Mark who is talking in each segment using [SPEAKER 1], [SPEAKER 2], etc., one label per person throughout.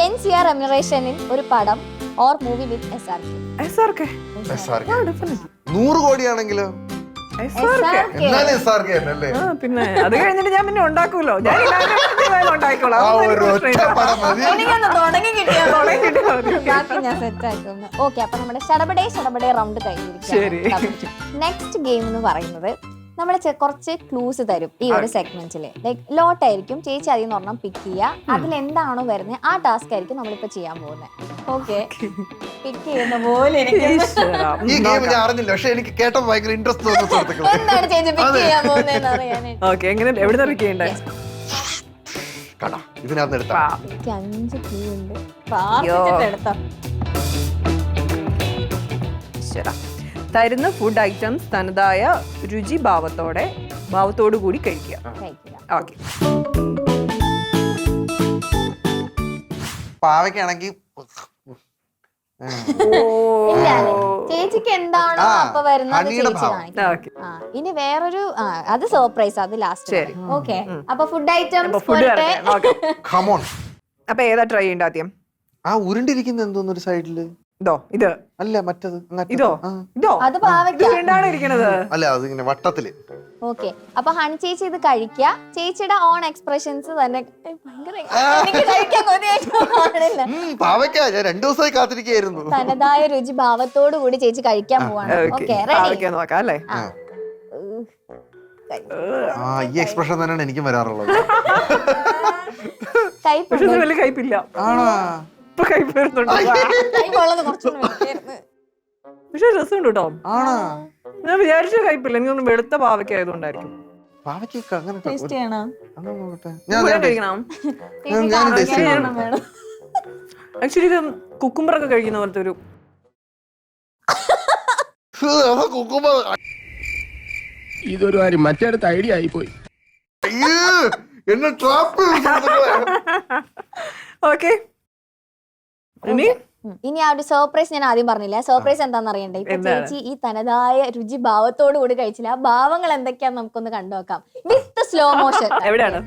[SPEAKER 1] NCR റെമ്യൂണറേഷനിൽ ഒരു പടം ഓർ മൂവി വിത്ത് SRK.
[SPEAKER 2] 100 കോടിയാണെങ്കിലോ
[SPEAKER 3] പിന്നെ അത് കഴിഞ്ഞിട്ട് ഞാൻ പിന്നെ ഉണ്ടാക്കൂലോ. ഞാൻ ഉണ്ടാക്കിക്കോളാം.
[SPEAKER 1] ബാക്കി ഞാൻ സെറ്റ് ആക്കുന്നു. ഓക്കെ, അപ്പൊ നമ്മുടെ ഷടപടേ റൗണ്ട് കഴിഞ്ഞിരിക്കും. നെക്സ്റ്റ് ഗെയിം എന്ന് പറയുന്നത് നമ്മൾ കുറച്ച് ക്ലൂസ് തരും ഈ ഒരു സെഗ്മെന്റില്. ലൈക്ക് ലോട്ട് ആയിരിക്കും, ചേച്ചി അതിൽ നിന്ന് ഒരെണ്ണം പിക്ക് ചെയ്യുക. അതിൽ എന്താണോ വരുന്നത് ആ ടാസ്ക് ആയിരിക്കും നമ്മളിപ്പോ ചെയ്യാൻ പോകുന്നത്. ഓക്കെ, പിക്ക് ചെയ്യുന്ന പോലെ
[SPEAKER 2] ഈ ഗെയിം ഞാൻ അറിഞ്ഞില്ല, പക്ഷെ എനിക്ക് കേട്ടപ്പോൾ ഭയങ്കര ഇൻട്രസ്റ്റ് തോന്നുന്നു.
[SPEAKER 1] എന്താണ് ചേച്ചി പിക്ക് ചെയ്യാൻ പോകുന്നതെന്ന് അറിയാനായിട്ട്.
[SPEAKER 3] ഓക്കെ, എങ്ങനെ എവിടെ പിക്ക് ചെയ്യണ്ടേ?
[SPEAKER 2] ഇതിനകത്ത് എടുത്താ
[SPEAKER 1] 5 ക്ലൂ ഉണ്ട്, പ്രാർത്ഥിച്ചിട്ട് എടുത്താ.
[SPEAKER 3] തരുന്ന ഫുഡ് ഐറ്റംസ് തനതായ രുചി ഭാവത്തോടു കൂടി കഴിക്കുക. ഓക്കെ,
[SPEAKER 2] പാവയ്ക്കാണെങ്കിൽ
[SPEAKER 1] ചേച്ചിക്ക് എന്താണോ അപ്പൊ വരുന്നത് ചേച്ചി കാണിക്കും. ഇനി വേറൊരു അത് സർപ്രൈസ്, അത് ലാസ്റ്റ്. ഓക്കെ, അപ്പൊ ഫുഡ് ഐറ്റംസ്
[SPEAKER 3] അപ്പൊ ഏതാ ട്രൈ ചെയ്യണ്ട ആദ്യം?
[SPEAKER 2] ആ ഉരുണ്ടിരിക്കുന്ന എന്തോന്ന് ഒരു സൈഡില്
[SPEAKER 3] ഇത്
[SPEAKER 2] അല്ല മറ്റത്
[SPEAKER 1] അത് പാവയ്ക്കാണ്
[SPEAKER 3] ഇരിക്കണത്.
[SPEAKER 2] അല്ല അത് ഇങ്ങനെ വട്ടത്തില്.
[SPEAKER 1] ഓക്കെ, അപ്പൊ ഹണി ചേച്ചി ഇത് കഴിക്കുക. ചേച്ചിയുടെ ഓൺ എക്സ്പ്രഷൻസ് തന്നെ
[SPEAKER 2] പാവയ്ക്ക ഞാൻ 2 ദിവസമായി കാത്തിരിക്കുകയായിരുന്നു.
[SPEAKER 1] തനതായ രുചി ഭാവത്തോടു കൂടി ചേച്ചി കഴിക്കാൻ പോവാണ്. Okay, ready?
[SPEAKER 3] നോക്കാം അല്ലേ?
[SPEAKER 2] ഈ എക്സ്പ്രഷൻ തന്നെയാണ് എനിക്കും വരാറുള്ളത്.
[SPEAKER 3] വലിയ കയ്പില്ല. പക്ഷെ രസമുണ്ട് കേട്ടോ. ഞാൻ വിചാരിച്ച കയ്പില്ല, എനിക്കൊന്നും വെളുത്ത പാവയ്ക്ക ആയതുകൊണ്ടായിരിക്കും. ആക്ച്വലി ഇത് കുക്കുംബറൊക്കെ കഴിക്കുന്ന പോലത്തെ ഒരു
[SPEAKER 4] ഇതൊരു കാര്യം മറ്റേടത്ത് ഐഡിയ ആയിപ്പോയി.
[SPEAKER 3] ഓക്കെ,
[SPEAKER 1] ഇനി ആ ഒരു സർപ്രൈസ് ഞാൻ ആദ്യം പറഞ്ഞില്ല. സർപ്രൈസ് എന്താണെന്ന് അറിയണ്ടേ? ഇപ്പൊ ചേച്ചി ഈ തനതായ രുചി ഭാവത്തോടു കൂടി കഴിച്ചില്ല. ആ ഭാവങ്ങൾ എന്തൊക്കെയാന്ന് നമുക്കൊന്ന് കണ്ടുനോക്കാം വിത്ത് സ്ലോ മോഷൻ.
[SPEAKER 3] എവിടെയാണ്?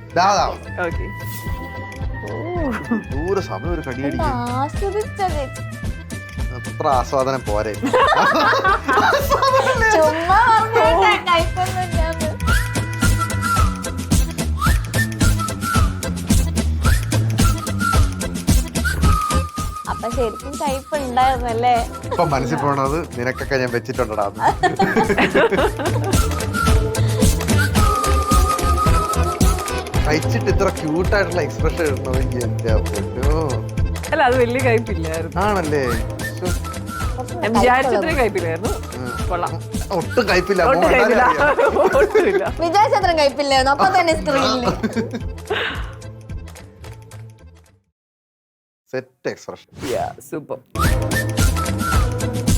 [SPEAKER 2] അത്ര ആസ്വാദനം പോരെ.
[SPEAKER 1] ചുമ്മാ കൈപ്പൊന്നുമില്ല. അപ്പൊ ശരിക്കും കയ്പ് ഉണ്ടായിരുന്നല്ലേ?
[SPEAKER 2] ഇപ്പൊ മനസ്സിൽ പോണത് നിനക്കൊക്കെ ഞാൻ വെച്ചിട്ടുണ്ടടാ. കഴിച്ചിട്ട് ഇത്ര ക്യൂട്ടായിട്ടുള്ള എക്സ്പ്രഷൻ ഇടണമെങ്കിൽ എന്റെ പൊന്നോ.
[SPEAKER 3] അല്ല, അത് വലിയ കയ്പില്ലായിരുന്നു.
[SPEAKER 2] ആണല്ലേ?
[SPEAKER 3] വിചാരിച്ചത്രയും കയ്പില്ലായിരുന്നു.
[SPEAKER 2] ഒട്ടും കയ്പില്ല.
[SPEAKER 1] വിചാരിച്ചത്രയും കയ്പില്ലായിരുന്നു. അപ്പൊ തന്നെ സ്ക്രീനിൽ
[SPEAKER 2] സെറ്റ് എക്സ്പ്രഷൻ.
[SPEAKER 3] സൂപ്പർ.